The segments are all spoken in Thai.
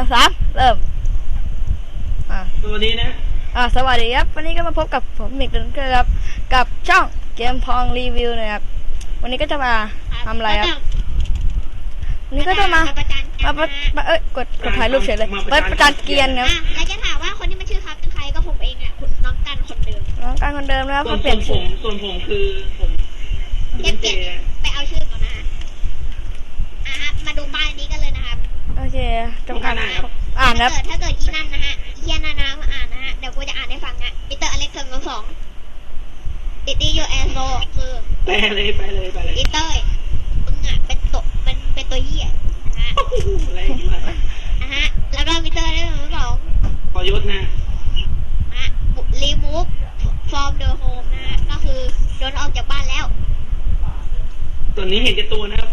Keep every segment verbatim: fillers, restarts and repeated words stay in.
สามเริ่มอ่ะสวัสดีนะอ่ะสวัสดีครับวันนี้ก็มาพบกับผมมิกเดนเกอร์ครับกับช่องเกมพองรีวิวนะครับวันนี้ก็จะมาทำอะไรครับวันนี้ก็จะมามามาเอ้ยกดกดถ่ายรูปเฉยเลยเปิดประจานเกียร์ครับแล้วจะถามว่าคนที่มันชื่อครับเป็นใครก็ผมเองอ่ะน้องกันคนเดิมน้องกันคนเดิมนะครับเขาเปลี่ยนผมส่วนผมคือผมเปลี่ยนเปลี่ยนไปเอาชื่อก่อนนะอ่ะฮะมาดูป้ายนี้กันเลยนะครับโอเคจงอ่านอ่านนะถ้าเกิดอีนั่นนะฮะเฮียนานามาอ่านนะฮะเดี๋ยวกูจะอ่านให้ฟังอ่ะปีเตอร์อเล็กซ์สองสองติดดียูแอโซคือไปเลยไปเลยไปเลยปีเตอร์มึงอ่ะเป็นตัวมันเป็นตัวเหี้ยนะฮะนะฮะแล้วก็ปีเตอร์ได้สองสองพอยศนะฮะรีมูฟฟอร์มเดอะโฮมนะฮะก็คือโดนออกจากบ้านแล้วตัวนี้เห็นแก่ตัวนะครับ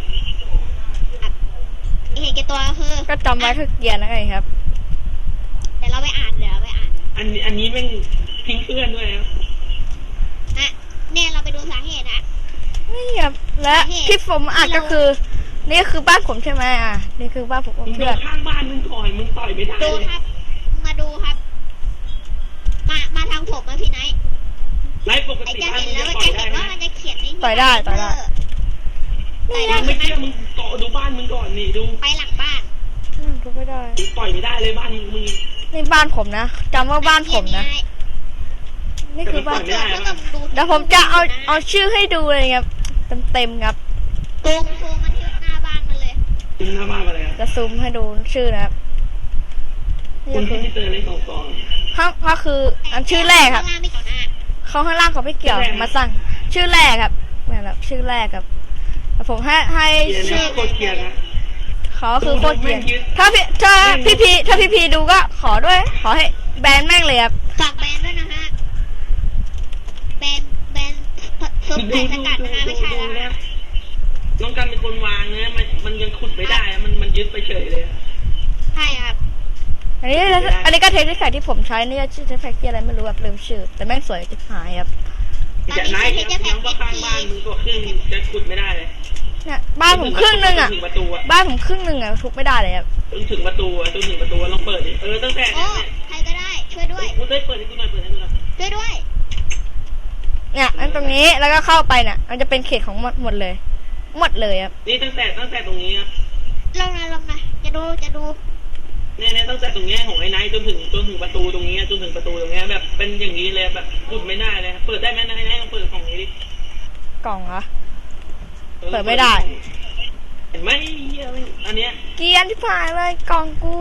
เห็นแก่ตัวคือก็จำไว้คือเกียร์นะไงครับเดี๋ยวเราไปอ่านเดี๋ยวเราไปอ่านอันนี้อันนี้แม่งทิ้งเพื่อนด้วยครับอ่ะเนี่ยเราไปดูสาเหตุนะนี่ครับและที่ผมอ่านก็คือนี่คือบ้านผมใช่ไหมอ่ะนี่คือบ้านผมเพื่อนข้างบ้านมึงต่อยมึงต่อยไม่ได้ดูครับมาดูครับมามาทางผมนะพี่ไนท์ไลฟ์ปกติบ้านมึงจะต่อยได้ไหมมันจะเขียนต่อยได้ต่อยได้ไม่เชื่อมึงเกาะดูบ้านมึงก่อนนี่ดูไปหลังบ้านทุบไม่ได้ต่อยไม่ได้เลยบ้านมึงนี่บ้านผมนะจำว่าบ้านผมนะนี่คือบ้านเดี๋ยวผมจะเอาเอาชื่อให้ดูเลยครับเต็มเต็มครับซูมซูมมาที่หน้าบ้านมันเลยซูมหน้าบ้านมาเลยจะซูมให้ดูชื่อนะครับคุณที่เจอในสองกองข้างก็คืออันชื่อแรกครับเขาข้างล่างเขาไม่เกี่ยวมาสั่งชื่อแรกครับนี่แหละชื่อแรกครับผมให้ให้ชื่อโคตรเกียร์นะเขาคือโคตรเกียร์ถ้าพี่ถ้าพี่พีถ้าพี่พีดูก็ขอด้วยขอให้แบนแม่งเลยครับฝากแบนด้วยนะฮะแบนแบนซุปไก่สกัดนะฮะไม่ใช่แล้วนะน้องกันเป็นคนวางนะมันมันยังขุดไม่ได้มันมันยึดไปเฉยเลยใช่ครับอันนี้อันนี้ก็เทคนิคที่ผมใช้นี่ชื่อเทคนิคอะไรไม่รู้แบบลืมชื่อแต่แม่งสวยจิ๋หายครับจะไหนยังว่าข้างบ้านมึงตัวครึ่งจะขุดไม่ได้เลยเนี่ยบ้านผมครึ่งนึงอ่ะบ้านผมครึ่งนึงอ่ะทุบไม่ได้เลยครับจนถึงประตูจนถึงประตูลองเปิดดิเออตั้งแต่เนี่ยใครก็ได้ช่วยด้วยกูได้เปิดให้กูหน่อยเปิดให้กูหน่อยช่วยด้วยเนี่ยอันตรงนี้แล้วก็เข้าไปเนี่ยมันจะเป็นเขตของหมดหมดเลยหมดเลยครับนี่ตั้งแต่ตั้งแต่ตรงนี้ครับลงนะลงนะจะดูจะดูเนี่ยเนี่ยตั้งแต่ตรงนี้ของไอ้ไนท์จนถึงจนถึงประตูตรงนี้จนถึงประตูตรงนี้แบบเป็นอย่างนี้เลยแบบขุดไม่ได้เลยเปิดได้ไหมไนท์ไนท์ลองเปิดของนี้ดิกล่องเหรอเปิดไม่ได้เห็นไหมอันเนี้ยเกียร์ที่ผ่านเลยกล่องกู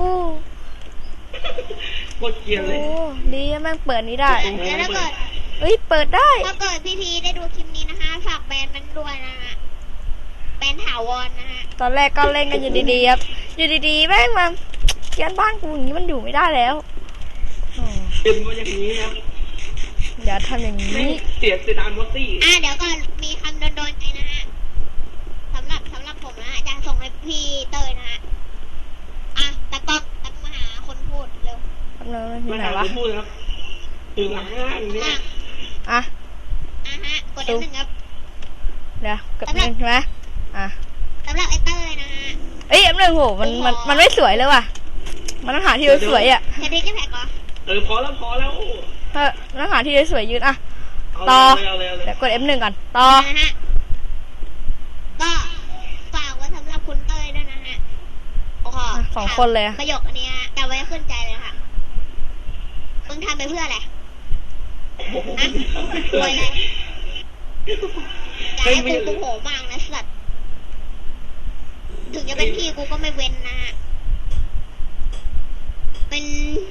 โคตรเกียร์เลยโอ้ดีแม่งเปิดนี้ได้แล้วถ้าเกิดเฮ้ยเปิดได้ถ้าเกิดพี่พีได้ดูคลิปนี้นะคะฝากแบนมันด้วยนะฮะแบนถาวรนะฮะตอนแรกก็เล่นกันอยู่ดีๆครับอยู่ดีๆแม่งมาเกียร์บ้านกูอย่างนี้มันอยู่ไม่ได้แล้วเป็นว่าอย่างนี้นะอย่าทำอย่างนี้เสียเสียดายมอสซี่อ่ะเดี๋ยวก่อนมีคำโดนๆใจนะฮะสำหรับสำหรับผมนะจะส่งให้พี่เตยนะฮะอ่ะตะก๊อกตะมาหาคนพูดเร็วทำเลยที่ไหนวะพูดครับถึงหลังอย่างนี้อ่ะอ่ะฮะกดหนึ่งครับเดี๋ยวกดหนึ่งใช่ไหมอ่ะสำหรับไอเตยนะฮะเอ้ยอันหนึ่งโหมันมันมันไม่สวยเลยว่ะมันต้องหาที่สวยอ่ะแค่นี้จะแพ็กเหรอเออพอแล้วพอแล้วเออต้องหาที่สวยยืนอ่ะต่อเดี๋ยวกด เอฟ หนึ่งก่อนต่อนะฮะก็ฝากไว้สำหรับคุณเต้ยด้วยนะฮะโอ้โหสองคนเลยประโยคอันนี้จำไว้ขึ้นใจเลยค่ะมึงทำไปเพื่ออะไรนะรวยอะไรอย่าให้กูโผล่มากนะสัตว์ถึงจะเป็นพี่กูก็ไม่เว้นนะฮะเป็น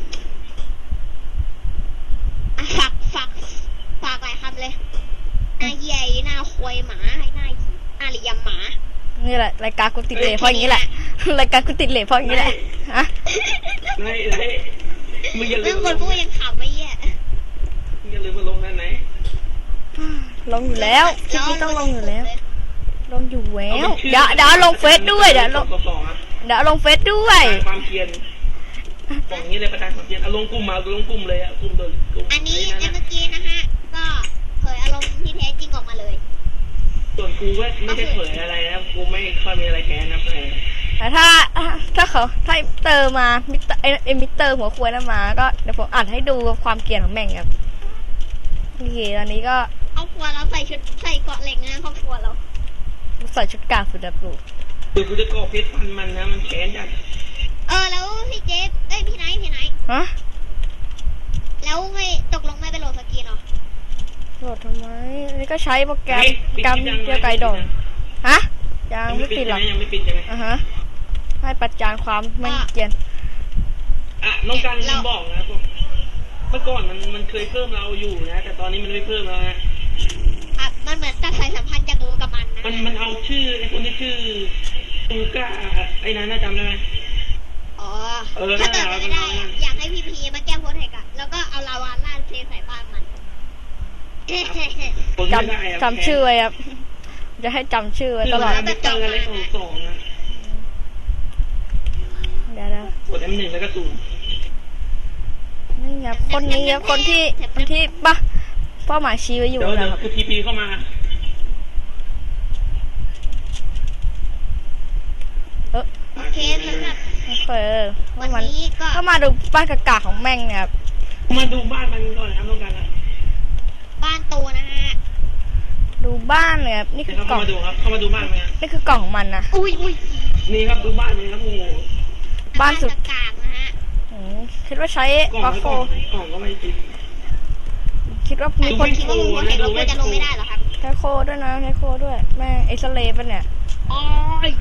ฝากฝากฝากหลายคำเลยหน้าเหี้ยหน้าควยหมาหน้าหน้าเหลี่ยมหมานี่แหละรายการกูติดเหล่เพราะอย่างนี้แหละรายการกูติดเหล่เพราะอย่างนี้แหละฮะไม่ไม่มึงอย่าลืมคนพูดยังขำไม่แย่มึงอย่าลืมมาลงนั่นไหนลงอยู่แล้วคลิปนี้ต้องลงอยู่แล้วลงอยู่แล้วเดี๋ยวเดี๋ยวลงเฟซด้วยเดี๋ยวลงเดี๋ยวลงเฟซด้วยความเพียรของนี้เลยประธานความเพียรเอาลงกลุ่มมาลงกลุ่มเลยอะกลุ่มโดยกลุ่มอันนี้ในเมื่อกี้นะฮะก็เผยอารมณ์ที่แท้จริงออกมาเลยส่วนกูก็ไม่ได้เผยอะไรนะกูไม่ค่อยมีอะไรแค้นนะเพื่อนแต่ถ้าถ้าเขาถ้าเตอร์มามิเตอร์ไอมิเตอร์หัวควยนั้นมาก็เดี๋ยวผมอ่านให้ดูความเกลียดของแม่งครับโอเคตอนนี้ก็ครอบครัวเราใส่ชุดใส่เกราะเหล็กนะครอบครัวเราใส่ชุดกากสุดแบบลูกเดี๋ยวกูจะก่อเพชรพันมันนะมันแค้นจัดเออแล้วพี่เจฟเอ้ยพี่ไนท์พี่ไนท์ฮะแล้วไม่ตกลงไม่ไปโหลดสกินเหรอโหลดทำไมอันนี้ก็ใช้โปรแกรมโปรแกรมเดียวไกลดองฮะยังยังไม่ไม่ปิปิดดหรใช่อกไหมยังไม่ปิดใช่ไหมอ่ะฮะให้ประจานความไม่เกลียดอ่ะน้องการลืมบอกนะผมเมื่อก่อนมันมันเคยเพิ่มเราอยู่นะ แต่ตอนนี้มันไม่เพิ่มแล้วนะครับมันเหมือนตัดสายสัมพันธ์จากกูกับมันนะมันมันเอาชื่อไอ้คนที่ชื่อตูก้าไอ้นั้นน่าจำได้ไหมอ๋อเออถ้าเกิดนั่นแหละไม่ได้มันเอาอยากให้พีพีมาแก้โพสเทคอะแล้วก็เอาลาวาล่าเทใส่บ้านมันคนไม่ได้อะจำจำชื่อไว้ครับจะให้จำชื่อไว้ชื่ตอลออะดไรมิเตอร์อะไรสองสองนะเดี๋ยวนะกด เอ็ม หนึ่งแล้วก็ศูนย์นี่ครับคนนี้ครับคนที่คนที่ปะเป้าหมายชี้ไว้อยู่เดี๋ยวนะเดี๋ยวครับคือทีพีเข้ามาเออโอเคสำหรับโอเควันมันนี้ก็ก็มาดูบ้านกากาของแม่งเนี่ยครับมาดูบ้านมันก่อนนะครับน้องการนะบ้านตูนะฮะดูบ้านเนี่ยครับนี่เดี๋คืยวอกล่เข้าองมาดูครับเข้ามาดูบ้านมันนะนี่คือกล่องของมันนะอุ้ยอุ้ยนี่ครับดูบ้านมันครับโอ้โหบ้านสุดกากๆนะฮะอืมคิดว่าใช้กล่องวัฟไม่โฟกล่องกล่องก็ไม่ติดคิดว่ามีคนคิดว่ามึงโพสเทคแล้วกูจะลงไม่ได้เหรอครับใช้โคด้วยนะใช้โคด้วยแม่งเอ็กซเรย์ปะเนี่ยอ๋อ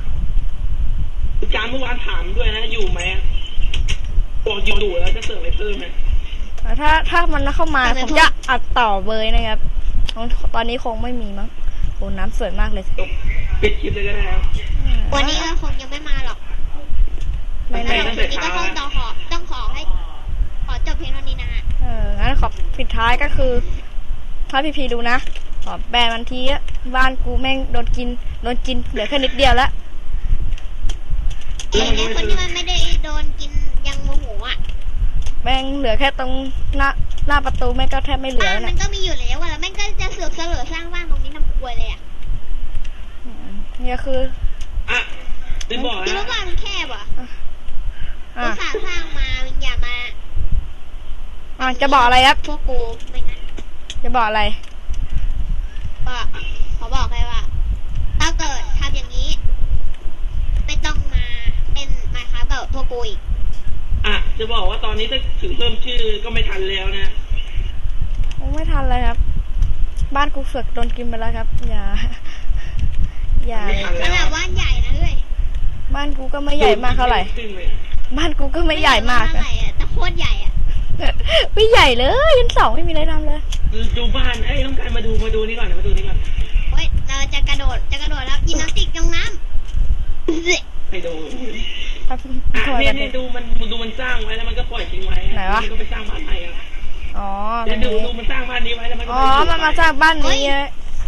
การเมื่อวานถามด้วยนะอยู่ไหมบอกอยู่ดูแล้วจะเสิร์ฟอะไรเพิ่มไหมแต่ถ้าถ้ามันเข้ามาผมจะอัดต่อเบยนะครับตอนนี้คงไม่มีมั้งโอ้น้ำสวยมากเลยจบปิดคลิปเลยก็ได้ครับวันนี้เราคงยังไม่มาหรอกไม่สำหไม่รับวันนี้ก็ต้องต้องขอต้องขอให้ ขอจบเพียงเท่านี้นะฮะเอองั้นขอปิดท้ายก็คือ ถ้าพี่พีดูนะขอแบนวันทีอะบ้านกูแม่งโดนกินโดนกินเหลือแค่นิดเดียวแล้วไอ้เนี่ยคนที่มันไม่ได้โดนกินยังโมโหอ่ะแม่งเหลือแค่ตรงหน้าหน้าประตูแม่งก็แทบไม่เหลือบ้านแล้วมันะนก็มีอยู่แล้วอะแล้วแม่งก็จะเสือกเสลอสร้างบ้านตรงนี้ทำครัวเลยอ่ะอืมเนี่ยคืออ่ะลืมบอกคิดนะว่าบ้านมันแคบอ่ะอ่ะอุตส่าห์สร้างมามันอย่ามาอ่ะจะบอกอะไรครับพวกกูไม่งั้นจะบอกอะไรก็ขอบอกเลยว่า ถ้าเกิดทำอย่างนี้ ไม่ต้องมาเป็นมาค้ากับพวกกูอีกอ่ะจะบอกว่าตอนนี้ถ้าถึงเพิ่มชื่อก็ไม่ทันแล้วนะคงไม่ทันเลยครับ บ้านกูเสือกโดนกินไปแล้วครับ อย่า อย่าไม่ทันขนาดบ้านใหญ่นะเฮ้ยบ้านกูก็ไม่ใหญ่มากเท่าไหร่ขึ้นเลยบ้านกูก็ไม่ใหญ่มากไใหนะญ่อะแต่โคตรใหญ่อะไม่ใหญ่เลยยันสองไม่มีอะไรทำเลยดูบ้านเอ้ยต้องการมาดูมาดูนี่ก่อนนะมาดูนี่ก่อนเฮ้ยเราจะกระโดดจะกระโดดแล้วยิมนาสติกลงน้ำไปดูครับอ่ะทำไมเนี่กัยนเนี่ยดูมันดูมันสร้างไว้แล้วมันก็ปล่อยทิ้งไว้ไหนวะมันก็ไปสร้างบ้านใหม่อ่ะอ๋อเดี๋ยวดูดูมันสร้างบ้านนี้ไว้แล้วมันก็อ๋อไปอยู่มันมาจากบ้านนี้เลย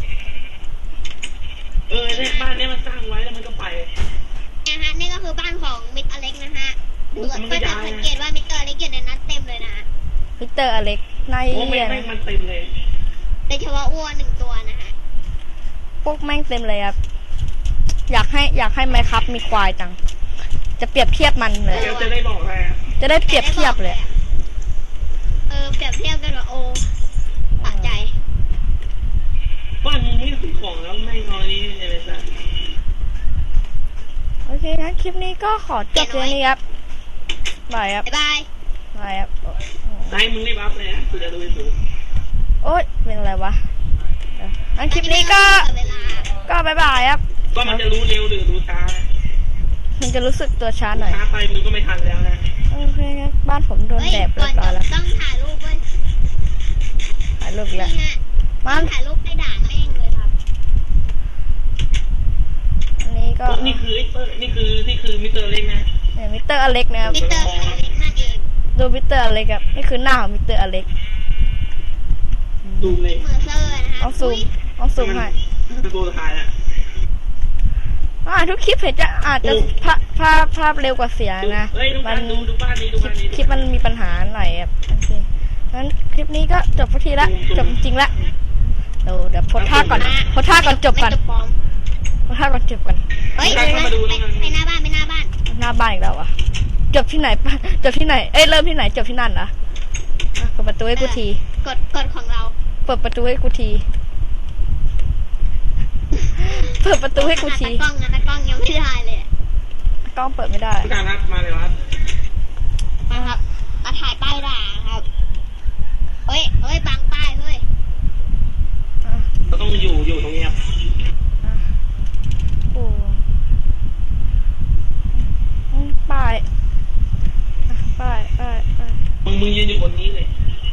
เออเนี่ยบ้านเนี้ยมันสร้างไว้แล้วมันก็ไปนะฮะนี่ก็คือบ้านของมิสเตอร์อเล็กนะฮะโอ้ก็มันก็จะยาวนะสังเกตว่ามิสเตอร์อเล็กอยู่ในนั้นเต็มเลยนะฮะมิสเตอร์อเล็กนายโอ้ไม่เหี้ยไม่นะมันเต็มเลยโดยเฉพาะอ้วนหนึ่งตัวนะฮะพวกแม่งเต็มเลยครับ อยากให้อยากให้ไมค์ครับมีควายจัง จะเปรียบเทียบมันเลยเดี๋ยวจะได้บอกอะไรอ่ะจะได้เปรียบเทียบเลยเออเปรียบเทียบกันว่าโอ้สะใจบ้านนี้ซื้อของแล้วไม่งเอานี้อะไรสักโอเคงั้นคลิปนี้ก็ขอจบเพียงนี้ครับบายครับบ๊ายบายบายครับนายมึงรีบอัพเลยนะกูจะดูไปดูโอ๊ยเป็นอะไรวะเอองั้นคลิปนี้ก็เวลาก็บายบายครับก็มันจะรู้เร็วหรือรู้ช้ามันจะรู้สึกตัวช้าหน่อยช้าไปมึงก็ไม่ทันแล้วนะโอเคงั้นบ้านผมโดนเฮ้ยแดดเรีก่อย นบร้จอยบแล้วต้องถ่ายรูปเว้ยถ่ายรูปแล้วนี่ฮะมัต้อน งถ่ายรูปให้ด่าแม่งเลยครับอันนี้ก็นี่คือไอ้เตอร์นี่คือที่คือมิสเตอร์เล็กนะเนี่ยมิสเตอร์อเล็กนะครับมิสเตอร์อเล็กนั่นเองดูมิสเตอร์อเล็กครับนี่คือหน้าของมิสเตอร์อเล็กดูเลยเมอร์เซอร์นะฮะเอาซูมเอาซูมให้เป็นตัวสุดท้ายอ่ะอ่าทุกคลิปเห็นจะอาจจะภาพภาพภาพเร็วกว่าเสียงนะเฮ้ยดูมับ้านดูดูบ้านนี้ดูคลิบ้าปนนี้คลิปมันมีปัญหาหน่อยครับโอเคงั้นคลิปนี้ก็จบพอทีละจบจริงๆละเดี๋ยวเดี๋ยวโพสท่าก่อนโพสท่าก่อนจบก่อนไม่จบปลอมโพถ้าก่อนจบกันเฮ้ยใครเข้ามาดูไปแล้วกันไปหน้าบ้านไปหน้าบ้านหน้าบ้านอีกแล้ววะจบที่ไหนปะจบที่ไหนเอ้ยเริ่มที่ไหนจบที่นั่นนะอ่ะเปิดประตูให้กูทีกดกดของเราเปิดประตูให้กูทีเปิดประตูให้กูทีตากล้องนะตากล้องยังไม่ได้เลยอะกล้องเปิดไม่ได้ผู้การครับมาเลยครับมาครับมาถ่ายป้ายด่าครับเฮ้ยเฮ้ยบังป้ายเฮ้ยอ่ะก็ต้องอยู่อยู่ตรงนี้ครับอ่ะโอ้อืมป้ายอ่ะป้ายป้ายป้ายมึงมึงยืนอยู่บนนี้เลย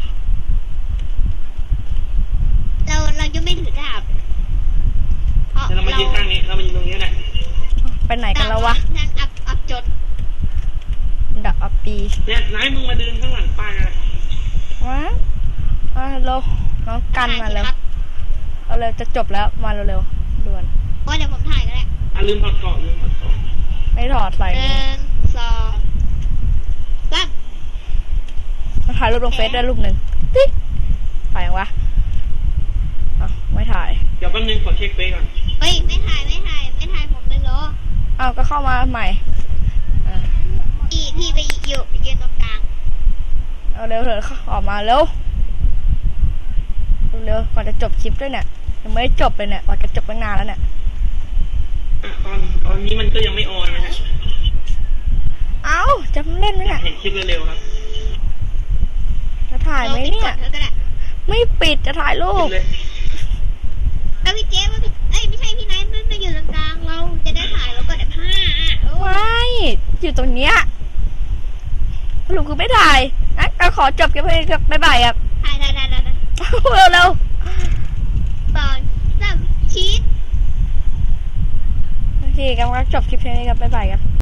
เราเรายังไม่ถือดาบเพราะแล้วเรามายืนข้างนี้เรามายืนตรงนี้แหละไปไหนกันแล้ววะนั่งอับอับจนดับอัปปีเนี่ยนายมึงมาเดินข้างหลังป้ายกันวะมาเร็วน้องกันมาเร็วถ่ยสิครับเอาเร็วจะจบแล้วมาเร็วๆด่วนโอ้ยเดี๋ยวผมถ่ายก็ได้อ่ะลืมถอดเกาะลืมถอดเกาะไม่ถอดใส่หนึ่งสองสามมาถ่ายรูปลงเฟซได้รูปหนึ่งติ๊กถ่ายยังวะอ่ะไม่ถ่ายเดี๋ยวแป๊บนึงขอเช็คเฟซก่อนเฮ้ยไม่ถ่ายไม่ถ่ายไม่ถ่ายผมเลยเหรออ้าวก็เข้ามาใหม่อ่ะพี่พี่ไปอยู่ยืนตรงกลางเอาเร็วเถอะเข้าออกมาเร็วเร็วๆก่อนจะจบคลิปด้วยเนี่ยยังไม่ได้จบเลยเนี่ยก่อนจะจบตั้งนานแล้วเนี่ยอ่ะตอนตอนนี้มันก็ยังไม่ออนนะฮะเอ้าจะเล่นไหมอยาเนี่ยกเห็นคลิปเร็วๆครับจะถ่ายไหมเราปิดเนี่ก่ยอนเธอก็ได้ไม่ปิดจะถ่ายรูคลิปปเลยแล้วพี่เจ๊ว่าพี่เอ้ยไม่ใช่พี่ไนท์มันมาอยู่ตรงกลางเราจะได้ถ่ายแล้วก็ได้ผ้าอ่ะโอ้ยไม่อยู่ตรงเนี้ยสรุปคือไม่ถ่ายนะเอาขอจบกันไปกับบ๊ายบายครับถ่ายถ่ายถ่ายถ่ายเร็วเร็วตอนสามชีสๆโอเคครับจบคลิปนี้ครับบ๊ายบายครับ